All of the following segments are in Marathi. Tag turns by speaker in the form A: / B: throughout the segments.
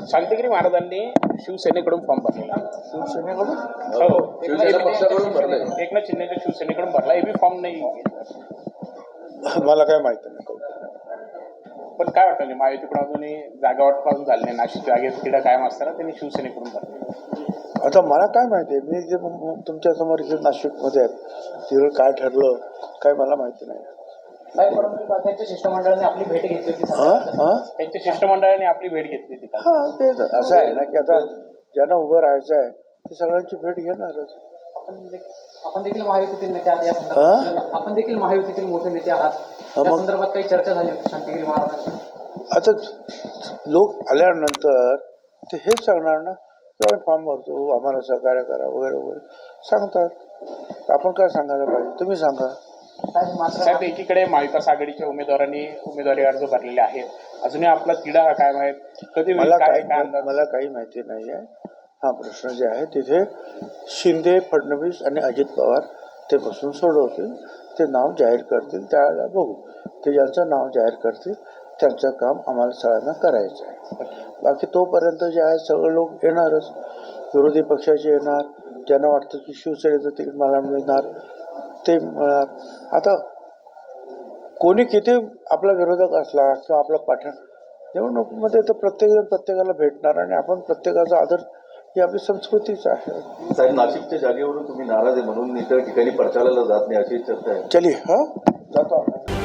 A: शांतिगिरी महाराजांनी शिवसेनेकडून फॉर्म भरलेला.
B: शिवसेनेकडून
A: हो,
B: शिवसेना पक्षाकडून भरले.
A: एकनाथ शिंदेच्या शिवसेनेकडून भरला. एबी फॉर्म नाही.
B: मला काय माहिती नाही.
A: पण काय वाटतं महायुतीकडून अजूनही जागा वाटपासून झाली नाही. नाशिक जागेत क्रीडा कायम असताना त्यांनी शिवसेनेकडून भरले.
B: आता मला काय माहिती आहे, मी जे तुमच्या समोर इथे नाशिकमध्ये आहेत तिकडे काय ठरलं काय मला माहिती नाही.
C: त्यांच्या शिष्टमंडळाने आपली भेट घेतली होती.
A: त्यांच्या शिष्टमंडळाने आपली भेट घेतली होती.
B: हां, ते असं आहे ना की आता ज्यांना उभं राहायचं आहे ते सगळ्यांची भेट घेणारच.
C: आपण देखील महायुतीतील नेते आहात. आपण देखील महायुतीतील मोठे नेते आहात. त्या संदर्भात काही चर्चा झाली होती शांतिगिरी महाराजांची.
B: आता लोक आल्यानंतर ते हेच सांगणार ना, फॉर्म भरतो, आम्हाला सहकार्य करा वगैरे वगैरे सांगतात. आपण काय सांगायला पाहिजे, तुम्ही सांगा.
A: साहेब, एकीकडे महाविकास आघाडीच्या उमेदवारांनी उमेदवारी अर्ज भरलेले आहेत. अजूनही आपला तिढा काय माहित कधी
B: मला काही माहिती नाही आहे. हा प्रश्न जे आहे तिथे शिंदे, फडणवीस आणि अजित पवार ते बसून सोडवतील. ते नाव जाहीर करतील, त्यावेळेला बघू. ते ज्यांचं नाव जाहीर करतील त्यांचं काम आम्हाला सगळ्यांना करायचं आहे. बाकी तोपर्यंत जे आहे सगळे लोक येणारच. विरोधी पक्षाचे येणार, ज्यांना वाटतं की शिवसेनेचं तिकीट मला मिळणार ते मिळणार. आता कोणी किती आपला विरोधक असला किंवा आपला पाठण निवडणुकीमध्ये तर प्रत्येकजण प्रत्येकाला भेटणार आणि आपण प्रत्येकाचा आदर ही आपली संस्कृतीच आहे.
D: साहेब, नाशिकच्या जागेवरून तुम्ही नाराज आहे म्हणून इतर ठिकाणी प्रचाराला जात नाही अशी चर्चा आहे.
B: चली जातो.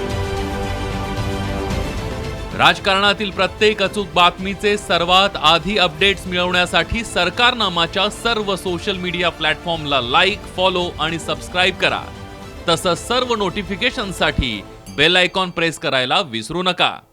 E: राजकारणातील प्रत्येक अचूक बातमीचे सर्वात आधी अपडेट्स मिळवण्यासाठी सरकारनामाच्या सर्व सोशल मीडिया प्लॅटफॉर्मला लाईक, फॉलो आणि सबस्क्राईब करा. तसंच सर्व नोटिफिकेशनसाठी बेल आयकॉन प्रेस करायला विसरू नका.